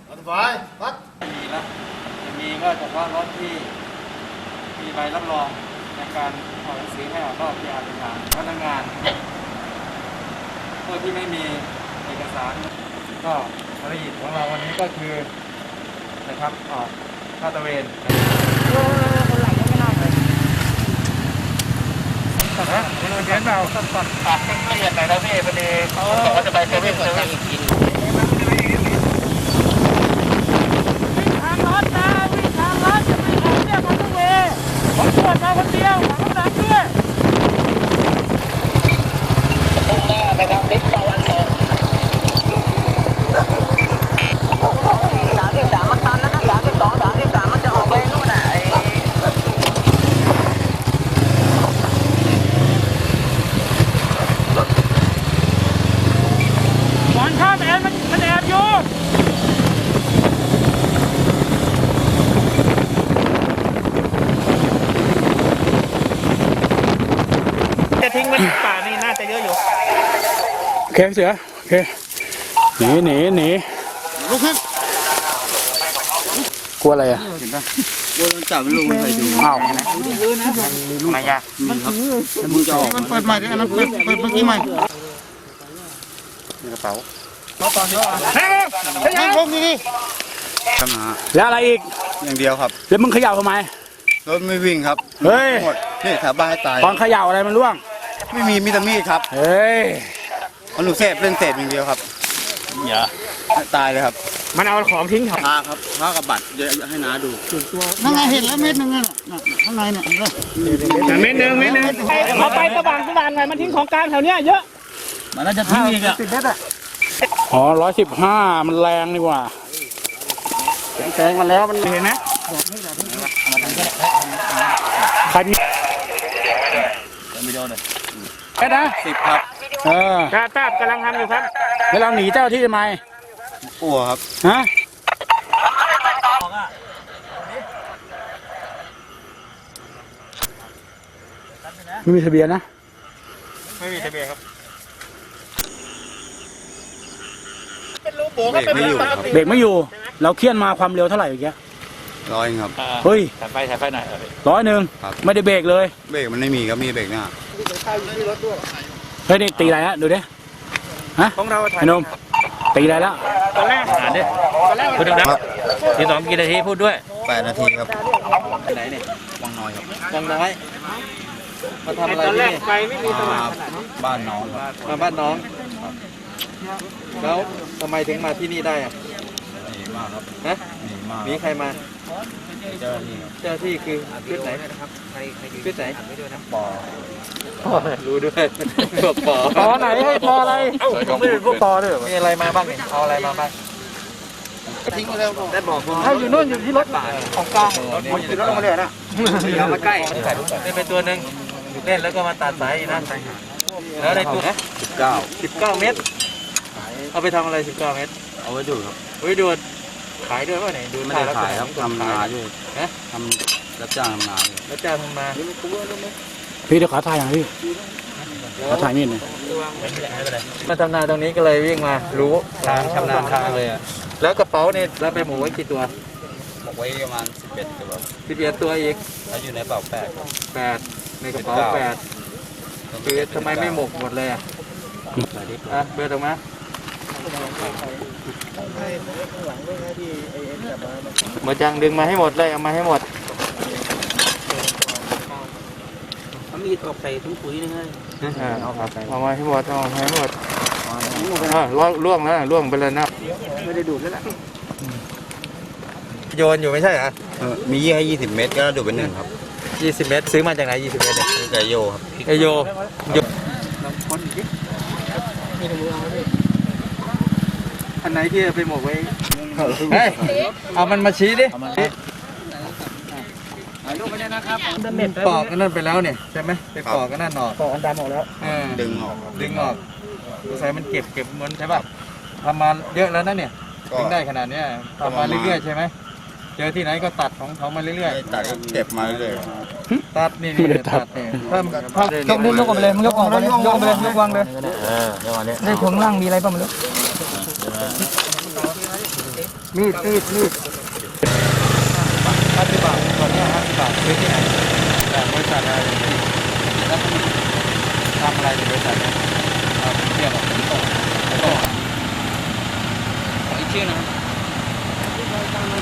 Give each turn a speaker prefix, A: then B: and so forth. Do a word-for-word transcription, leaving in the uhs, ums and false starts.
A: ไฟวัด
B: มีแล้วจะมีก็เฉพาะรถที่มีใบรับรองในการออกหนังสือให้ออกรอบที่อาเป็นทางพนักงานผู้ที่ไม่มีเอกสารก็ภารกิจของเราวันนี้ก็คือนะครับออกลาดตระเวนคนหลังไม่น่าเลยนะคนอื่นเห็นเปล่าตัดตัดตัดไม่ละเอียดหน่อยนะพี่พอดีเขาบอกว่าจะไปเซเว่นเซเว่นกินทางรถนะวิ่งทางรถจะไม่ออกเนี่ยมันต้องเวผมตรวจมาคนเดียวของน้ำด้วยมุ่งหน้าไปทางทิศตะวันตกสามสิบสามมันตันนะสามสิบสองสามสิบสามมันจะออกไปนู่นน่ะหวานข้ามแอนมันมันแอบอยู่จะทิ้งมันป่านี่น่าจะเยอะอยู่
C: โอเคเสือโอเคหนีหนีหนี
A: ลุกขึ้น
C: กลัวอะไรอ่ะ
B: เห็นปะกลัวโดนจับไม่ลงไปดู
C: อ้าว
B: ไม่ยากมีครับมือจะออก
A: มันเปิดใหม่ดิอันนั้นเปิดเปิดเมื่อกี้ใหม่
B: ในกระเป๋า
A: เขาตอนนี้เฮ้ยเฮ้ยลงนี่ดิ
D: ทำหา
C: แล้วอะไรอีก
D: อย่างเดียวครับ
C: แล้วมึงเขย่าทำไม
D: รถไม่วิ่งครับ
C: เฮ้ย
D: หมดนี่แถวบ้านให้ตาย
C: ตอนเขย่าอะไรมันร่วง
D: ไม่มีมีแต่มีดครับ
C: เฮ้ย
D: มันหนูเสพเล่นเสพอย่างเดียวครับ
C: อย่า
D: ตายเลยครับ
C: มันเอาของทิ้งถัง
D: ผ้าครับผ้ากับบัตรเยอะให้น้าดู
A: ส่วนตัวนั่งไงเห็นแล้วเม็ดนึงน่ะข้างในเนี่ย
C: แต่เม็ดนึงเม็ดนึงเอาไปสว่างสว่างหน่อยมันทิ้งของกลางแถวเนี้ยเยอะ
B: มันน่าจะทิ้งอีกอ่ะ
A: สิบเม็ดอ่ะ
C: อ๋อร้อยสิบห้ามันแรงดีกว่า
A: แซงมาแล้วมัน
C: เห็นไหมใครที่
B: ไม่โดนเลย
C: แค่นะ
D: สิบครับ
C: เออ
B: จ้าตาบกำลังทำอยู่ครับ
C: แล้วเราหนีเจ้าที่ทำไม
D: กลัวครับ
C: ฮะไม่มีทะเบียนนะ
B: ไม่มีทะเบียนครับ
D: เบรกไม่อยู่ครับ
C: เบรกไม่อยู่เราเคี่ยนมาความเร็วเท่าไหร่อย่างเงี้ย
D: ร้อยครับ
C: เฮ้ย
B: ถ่ายไปถ่ายไปหน่อย
C: ร้อยหนึ่งไม่ได้เบรกเลย
D: เบรกมันไม่มีครับมีเบรกหน้า
C: เฮ้ยนี่ตีอะไรฮะดูดิฮะ
B: ของเราถ่าย
C: นมตีอะไรแล้ว
B: ตอนแรกอ่านดิตอนแรกพูดดังๆทีสองกี่นาทีพูดด้วย
D: แปดนาทีครับ
B: ไหนเนี่ย
D: วังน้อยครับ
B: วังน้อยมาทำอะไรนี่ไฟไม่มีสว่าง
D: บ้านน้อง
B: มาบ้านน้องแล้วทำไมถึงมาที่นี่ได้อะ
D: หนีมากครับ
B: ฮะ
D: หนีมาก
B: มีใครมา
D: เจ้าหน้าที่
B: เจ้าหน้าที่คือชุดไหนชุดไหน
D: ปอ
B: รู้ด้วยพวกปอ
C: ปอไหนให้ปออะไร
B: ไม่เป็นพวกปอด้วยมีอะไรมาบ้างเนี่ยเอาอะไรมาบ้าง
A: ทิ้งไปแล้ว
B: ได้บอกคุณ
C: ถ้าอยู่นู่นอยู่ที่รถ
A: ของกลางมันอยู่รถลงมาเลยนะ
B: เอามาใกล้ได้ไปตัวหนึ่งเล่นแล้วก็มาตัดสายนะแล้วได้ตัว
D: สิบเก้า
B: สิบเก้าเมตรเอาไปทำอะไรสิบเก้าเมตร
D: เอาไว้ดูครับ
B: ไว้ดูขายด้วยป่ะเนี่ยดู
D: ไม่ได้ขายครับทำนาด้วยทำรับจ้างทำนา
B: รับจ้างทำนา
C: พี่เดี๋ยวขอถ่ายอย่างพี่ขอถ่ายนิดหนึ่ง
B: มาทำนาตรงนี้ก็เลยวิ่งมารู้ทางชำนาญทางเลยแล้วกระเป๋าเนี่ยเราไปหมูไว้กี่ตัว
D: หมกไว้ประมาณสิบเอ็ดตัว
B: สิบเอ็ดตัวอีก
D: แล้วอยู่ในกระเป๋าแปด
B: แปดในกระเป๋าแปดคือทำไมไม่หมกหมดเลยอ่ะอ่ะเบอร์ตรงมาหมดจังดึงมาให้หมดเลยเอามาให้หมด
A: เขามีตกใส่ถุงปุ๋ยนึงเลย
B: เอาเอามาให้หมดเอามาให้หมดอ่าล่วงล่วงแล้วล่วงไปเลยนะ
A: ไม่ได้ดูดแล้วล่ะ
B: โยนอยู่ไม่ใช่เหรอ
D: มียี่ให้ยี่สิบเมตรก็ดูเป็นหนึ่งครับ
B: ยี่สิบเมตรซื้อมาจากไหนยี่สิบเมตรเนี่ย
D: ไก่โยครับ
B: ไก่โยโยอันไหนที่ไปหมกไว้เฮ้ยเอามันมาชี้ดิปอกกันนั่นไปแล้วเนี่ยใช่ไหมไปปอกกันนั่นออก
A: ปอกอันดำออกแล้ว
D: ดึงออก
B: ดึงออกใส่มันเก็บเก็บเหมือนใช่ป่ะทำมาเยอะแล้วนะเนี่ยถึงได้ขนาดนี้ทำมาเรื่อยๆใช่ไหมเจอที่ไหนก็ตัดของเขามาเรื่อย
D: ๆตัดเก็บมาเรื่อย
B: ๆตัดนี่นี่ตัดเนี่ยถ้า
A: ถ้ายกนิ้วยกออกไปเลยมึงยกออกไปเลยยกไปเลยยกวางเลย
B: เออเดี๋ยวก่อนเนี่ย
A: ได้ถุงล่างมีอะไรบ้างไม่รู้
B: มีดมีดมีดห้าสิบบาทตอนนี้ห้าสิบบาทซื้อที่ไหนแต่บริษัทอะไรแล้วคุณทำอะไรในบริษัทเนี่ยเทียบกับผมตรงผมตรง
A: ขออีกชื่อนะครับ